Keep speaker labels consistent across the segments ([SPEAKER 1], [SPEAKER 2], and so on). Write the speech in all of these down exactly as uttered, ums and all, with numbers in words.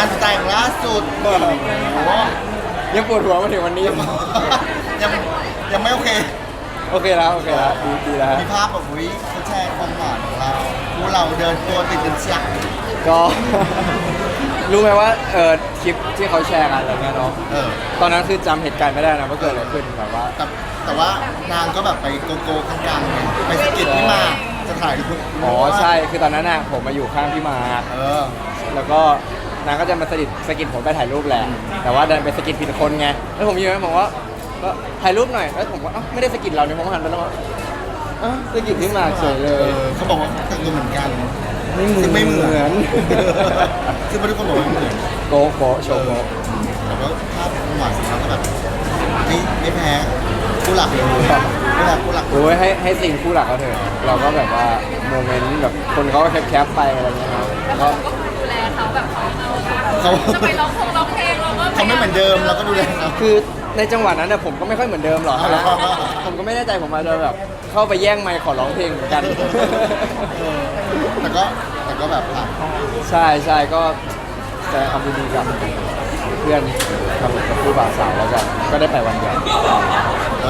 [SPEAKER 1] านแต่งล่าสุดโอ้โห
[SPEAKER 2] ยังปวดหัวมาถึงวันนี้
[SPEAKER 1] ยังยังไม่โอเค
[SPEAKER 2] โอเคแล้วโอเคแล้วดีดีแล้วฮะ
[SPEAKER 1] มีภาพแบบวิเขาแชร์ความหวานของเราคู่เราเดินตัวติดกันเชียง
[SPEAKER 2] ก็ รู้ไหมว่าเออคลิปที่เขาแชร์กันอะไรเงี้ยเนาะ
[SPEAKER 1] เออ
[SPEAKER 2] ตอนนั้นคือจำเหตุการณ์ไม่ได้นะว่าเกิดอะไรขึ้นแบบว่า
[SPEAKER 1] แต่แต่ว่านางก็แบบไปโกโก้กลางๆไงไปสะกิดพี่มาจะถ่ายรูป
[SPEAKER 2] อ๋อใช่คือตอนนั้นน่ะผมมาอยู่ข้างพี่มาร์ค
[SPEAKER 1] เออ
[SPEAKER 2] แล้วก็นางก็จะมาสะกิดสะกิดผมไปถ่ายรูปแหละแต่ว่าดันไปสะกิดผิดคนไงแล้วผมยืนผมว่าก็ถ่ายรูปหน่อยแล้วผมก็เอ้าไม่ได้สะกิดเราเนี่ยผมหันไปแล้วว่าเอ้าสะกิดพี่มาร์คเฉยเล
[SPEAKER 1] เอย อเขาบอกว่าแต่งตัวเหมือนกัน
[SPEAKER 2] ไม่เหมือน
[SPEAKER 1] ซึ่งไม่เหมือน
[SPEAKER 2] น
[SPEAKER 1] ซึ่งไม่ทุกคนบอกว่าไม่เหมือน
[SPEAKER 2] โกโกโชว์โก
[SPEAKER 1] แต่ว่าภาพหวานของเขาก็แบบไม่ไม่แพ้คู่หลักเลยคู่หลักคู่หลัก
[SPEAKER 2] โอ้ยให้ให้สิ่งคู่หลักเขาเถอะเราก็แบบว่าโมเมนต์แบบคนเขาก็แคปๆไปอะไรเงี้ยครับ
[SPEAKER 3] แล้ว
[SPEAKER 2] ก็
[SPEAKER 3] เราก็ดูแลเขาแบบเขา
[SPEAKER 1] เขา
[SPEAKER 3] จะไปร้องเพลงร้องเพลงเราก็
[SPEAKER 1] เขาไม่เหมือนเดิมเราก็ดูแลเขา
[SPEAKER 2] คือในจังหวะนั้นน่ะผมก็ไม่ค่อยเหมือนเดิมหรอก
[SPEAKER 1] อ๋อ
[SPEAKER 2] นะผมก็ไม่แน่ใจผมอาจจะแบบเข้าไปแย่งไมค์ขอร้องเพลงเหมือนกัน
[SPEAKER 1] เออแต่ก็แต่ก็แบบผ่าน
[SPEAKER 2] ใช่ใช่ก็จะทำดีๆกับเพื่อนกับกับผู้บ่าวสาวแล้วกันก็ได้ไปวันเดียว
[SPEAKER 1] แล้ว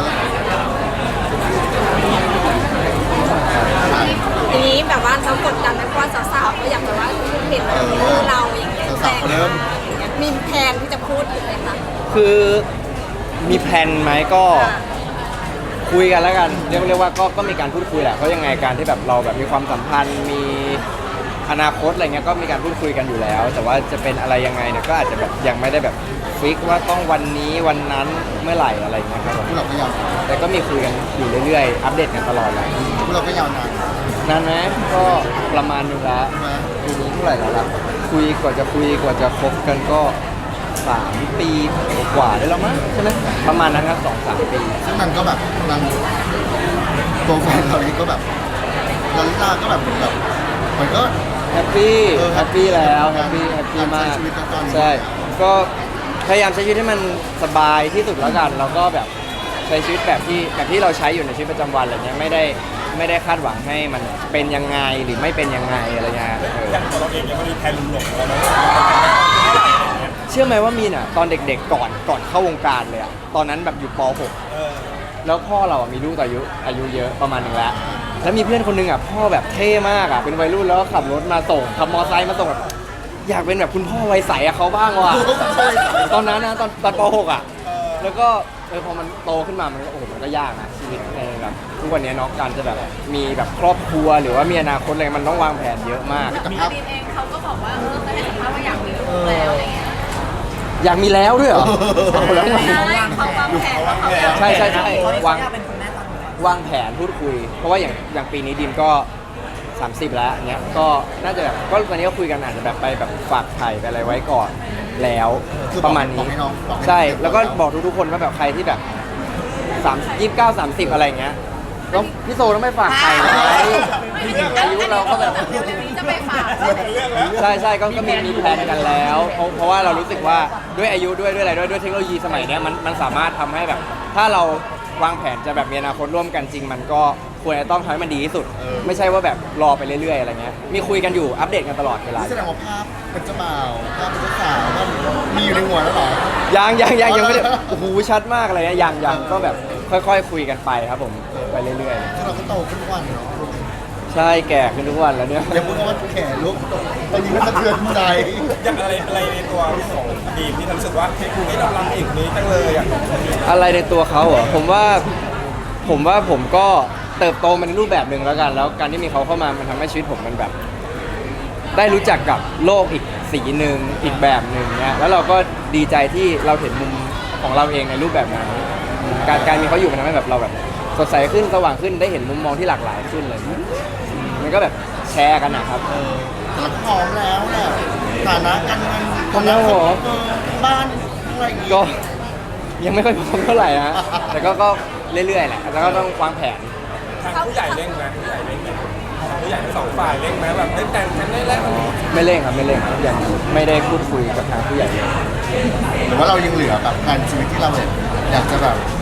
[SPEAKER 4] ทีนี้แบบว่าเรากดดันไหมเพราะว่าสาวๆก็อยากแบบว่าเห็นมือเราอย่างเงี้ย
[SPEAKER 1] สาวๆเขาเริ่ม
[SPEAKER 4] มีแพลนที่จะพูดอยู่ไหมคะ
[SPEAKER 2] คือมีแพลนไหมก็คุยกันแล้วกันเรียกเรียกว่าก็ก็มีการพูดคุยแหละเพราะยังไงการที่แบบเราแบบมีความสัมพันธ์มีอนาคตอะไรเงี้ยก็มีการพูดคุยกันอยู่แล้ว แต่ว่าจะเป็นอะไรยังไงเนี่ยก็อาจจะแบบยังไม่ได้แบบฟิกว่าต้องวันนี้วันนั้นเมื่อไหร่อะไรเงี้ยครับผม
[SPEAKER 1] คู่เราก็ยาว
[SPEAKER 2] แต่ก็มีคุยกันอยู่เรื่อยๆ อัปเดตกันตลอดแหละ
[SPEAKER 1] คู่เราก็ยาวนาน
[SPEAKER 2] นานไหมก็ประมาณนึงละ
[SPEAKER 1] ใช่ไหม
[SPEAKER 2] ปีนี้เท่าไหร่แล้วล่ะคุยกว่าจะคุยกว่าจะคบกันก็สามปีกว่าได้แล้วมั้งใช่ไหมประมาณนั้นครับสองสามปี
[SPEAKER 1] ซึ่งมันก็แบบนางตัวแฟนเราเองก็แบบลาลิตาก็แบบเหมือนแบบเหมือนก็
[SPEAKER 2] แฮปปี้
[SPEAKER 1] เออ
[SPEAKER 2] แฮปปี้แล้ว
[SPEAKER 1] แฮ
[SPEAKER 2] แฮ
[SPEAKER 1] ป
[SPEAKER 2] ป
[SPEAKER 1] ปี้
[SPEAKER 2] ปี้แฮปปี้มาก
[SPEAKER 1] การใช้ชีวิตตอนนี้
[SPEAKER 2] ใช่ก็พยายามใช้ชีวิตให้มันสบายที่สุดแล้วกันแล้วก็แบบใช้ชีวิตแบบที่แบบที่เราใช้อยู่ในชีวิตประจำวันอะไรเงี้ยไม่ได้ไม่ได้คาดหวังให้มันเป็นยังไงหรือไม่เป็นยังไงอะไรเงี้ยเออ
[SPEAKER 5] อย่างตัวเราเองยังไม่มีแพลนหลงๆแล้วนะ
[SPEAKER 2] เชื่อไหมว่ามีน่ะตอนเด็กๆก่อนก่อนเข้าวงการเลยอะตอนนั้นแบบอยู่ป .หก
[SPEAKER 5] เออ
[SPEAKER 2] แล้วพ่อเราอะมีลูกอายุอายุเยอะประมาณหนึ่งแล้วแล้วมีเพื่อนคนหนึงอะพ่อแบบเท่มากอะเป็นวัยรุ่นแล้วก็ขับรถมาส่งขับมอไซค์มาส่งแบบอยากเป็นแบบคุณพ่อวัยใสอะเขาบ้างว่ะตอนนั้นนะตอนตอนป .หก อะแล้วก็เออพอมันโตขึ้นมามันก็โอ้โหมันก็ยากนะชีวิตในแบบทุกวันนี้เนาะการจะแบบมีแบบครอบครัวหรือว่ามีอนาคตอะไรมันต้องวางแผนเยอะมาก
[SPEAKER 1] แต่
[SPEAKER 3] มี
[SPEAKER 1] ภาพ
[SPEAKER 3] ดีนเองเขาก็บอกว่าเออเคยให้สัมภาษณ์ว่าอยากมีลูกแล้วอะไรเงี้ย
[SPEAKER 2] อยากมีแล้วด้วยเหรอเอาแล้วไง
[SPEAKER 3] ใช่เขาวางแผนว่าเขาอยาก
[SPEAKER 2] ใช่ใช่ใช่วางวางแผนพูดคุย เพราะว่าอย่างอย่างปีนี้ดิมก็ สามสิบแล้วเนี้ยก็น่าจะแบบก็วันนี้ก็คุยกันอาจจะแบบไปแบบฝากไข่ไปอะไรไว้ก่อนแล้ว
[SPEAKER 1] คือ
[SPEAKER 2] ประมาณ
[SPEAKER 1] บอ
[SPEAKER 2] นี้
[SPEAKER 1] กให้น้องบอกให้
[SPEAKER 2] ใช่
[SPEAKER 1] น้อง
[SPEAKER 2] แล้วก็บอกทุกๆคนว่าแบบใครที่แบบสามยี่สิบเก้าสามสิบอะไรเงี้ยต้องพี่โซต้องไม่ฝากไข่นะอายุเราก็แบบ
[SPEAKER 3] จะไปฝาก
[SPEAKER 2] ใช่ใช่ก็ก็มีมีแพลนกันแล้วเพราะเพราะว่าเรารู้สึกว่าด้วยอายุด้วยด้วยอะไรด้วยด้วยเทคโนโลยีสมัยเนี้ยมันมันสามารถทำให้แบบ ถ้าเราวางแผนจะแบบมีอนาคตร่วมกันจริง มันก็ควรจะต้องทำให้มันดีที่สุด ไม่ใช่ว่าแบบรอไปเรื่อยๆอะไรเงี้ยมีคุยกันอยู่อัปเดตกันตลอดเวลา
[SPEAKER 1] นี่แสดงว่าภาพเป็นเจ้าบ่าวภาพเป็นเจ้าสาวมันมีอยู่ในหัวแล้วเหรอ
[SPEAKER 2] ยังยังยังยังไม่ได้
[SPEAKER 1] อ๋อ
[SPEAKER 2] โอ้โหชัดมากเลยนะยังยังก็แบบค่อยๆคุยกันไปครับผมไปเรื่อย
[SPEAKER 1] ซึ่งเราก็โตขึ้นทุกวันเนาะ
[SPEAKER 2] ๆ ใช่แก่ขึ้นทุกวันแล้วเนี่ย
[SPEAKER 1] อย่าพูดคำว่าแก่ลุกตอนนี้มันสะเทือนใจ
[SPEAKER 5] อย่างอะไรอะไรในตัวของดีมที่ทำรู้สึกว่าเฮ้ยนี่เรารักเอกนี้จังเลยอ่ะ
[SPEAKER 2] อะไรในตัวเขาเหรอผมว่าผมว่าผมก็เติบโตมาในรูปแบบหนึ่งแล้วกัน แล้วการที่มีเขาเข้ามามันทำให้ชีวิตผมมันแบบ ได้รู้จักกับโลกอีกสีหนึ่งอีกแบบหนึ่งเนี่ยแล้วเราก็ดีใจที่เราเห็นมุมของเราเองในรูปแบบนั้นการการมีเขาอยู่มันทำให้แบบเราแบบสดใสขึ้นสว่างขึ้นได้เห็นมุมมองที่หลากหลายขึ้นเลยมันก็แบบแชร์กันนะครับ
[SPEAKER 1] เออแต่เราก็พร้อมแล้วแหละฐานะการเงิน
[SPEAKER 2] พร้อมแล้วเหรอ
[SPEAKER 1] เออบ้านอะไรอย่างงี้
[SPEAKER 2] ก็ยังไม่ค่อยพร้อมเท่าไหร่นะแต่ก็ก็เรื่อยๆแหละแล้วก็ต้องวางแผน
[SPEAKER 5] ทางผู้ใหญ่เร่งไหมผู้ใหญ่เร่งไหมทางผู้ใหญ่ทั้งสองฝ่ายเร่งไหมแบบได้แต่งกันได้แล้ว
[SPEAKER 2] ไม่เร่งครับไม่เร่งครับยังไม่ได้พูดคุยกับทางผู้ใหญ่เลย
[SPEAKER 1] หรือว่าเรายังเหลือแบบงานชีวิตที่เราแบบอยากจะแบบ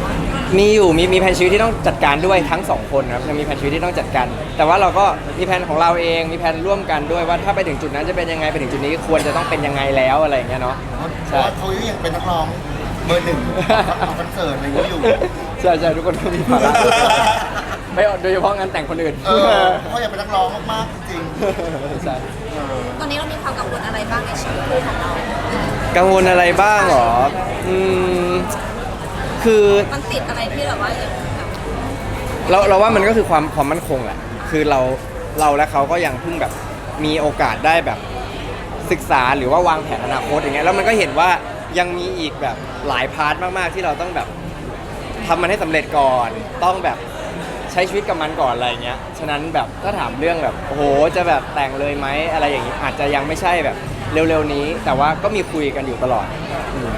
[SPEAKER 2] มีอยู่มีมีแผนชีวิตที่ต้องจัดการด้วยทั้งสองคนครับยังมีแผนชีวิตที่ต้องจัดการแต่ว่าเราก็มีแผนของเราเองมีแผนร่วมกันด้วยว่าถ้าไปถึงจุดนั้นจะเป็นยังไงไปถึงจุดนี้ควรจะต้องเป็นยังไงแล้วอะไรอย่างเงี้ยเนาะ
[SPEAKER 1] เพราะว่าเขายังเป็นนักร้องเบอร์หนึ่งของคอนเสิร์ตอะไรอย่างเงี้ยอยู่
[SPEAKER 2] ใช่ใช่ทุกคนก็มีภาระไม่โดยเฉพาะงานแต่งคนอื่น
[SPEAKER 1] เออเขาอยากเป็นนักร้องมากๆจริง
[SPEAKER 2] ใช่
[SPEAKER 1] ๆเออ
[SPEAKER 4] ตอนนี้เรามีความกังวลอะไรบ้างในชีวิตคู่ของเรา
[SPEAKER 2] กังวลอะไรบ้างเหรออืมคือ
[SPEAKER 4] มันติดอะไรที่แบบว่าอย่างแบบ
[SPEAKER 2] เราเราว่ามันก็คือความความมั่นคงแหละ คือเราเราและเขาก็ยังเพิ่งแบบมีโอกาสได้แบบศึกษาหรือว่าวางแผนอนาคตอย่างเงี้ย แล้วมันก็เห็นว่ายังมีอีกแบบหลายพาร์ทมากๆที่เราต้องแบบทำมันให้สำเร็จก่อน ต้องแบบใช้ชีวิตกับมันก่อนอะไรเงี้ย ฉะนั้นแบบถ้าถามเรื่องแบบโอ้โหจะแบบแต่งเลยไหมอะไรอย่างงี้อาจจะยังไม่ใช่แบบเร็วๆนี้ แต่ว่าก็มีคุยกันอยู่ตลอดอืม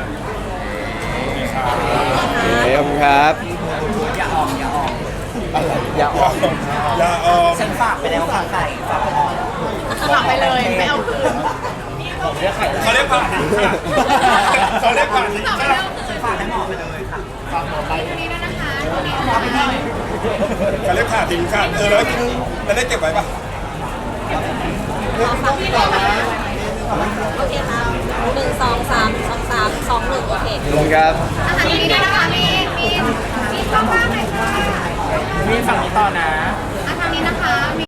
[SPEAKER 2] โอเคขอบคุณครับ
[SPEAKER 6] อย่าออกอย่าออก
[SPEAKER 2] อย่าออก
[SPEAKER 5] อย่าออก
[SPEAKER 6] ฉันฝากไปแล้วค่ะไก่ฝากไปออก
[SPEAKER 3] สลับไปเลยไม่เอาคืน
[SPEAKER 6] ผมเรียกไข่
[SPEAKER 5] เขาเรียกผ่านเขาเรียกผ่าน
[SPEAKER 3] สลับไปแล้วคืน
[SPEAKER 6] ฝากให้หมอไปเลยค่ะ
[SPEAKER 3] ทีนี้นะคะทีนี้เอาไปเลย
[SPEAKER 5] เขาเรียกผ่านจริงค่ะเออแล้วแล้วได้เก็บไว้ปะ
[SPEAKER 3] พี่เลยค่ะ
[SPEAKER 4] โอเคค่ะหนึ่งสองสามสองสามสองหนึ่งโอเค
[SPEAKER 2] ขอบคุณครับ
[SPEAKER 3] อาหารนี้นะคะมีมีมีข้าวฟ่างเลยค่ะ
[SPEAKER 6] มีฝั่งนี้ต่อนะ
[SPEAKER 3] อาหารนี้นะคะ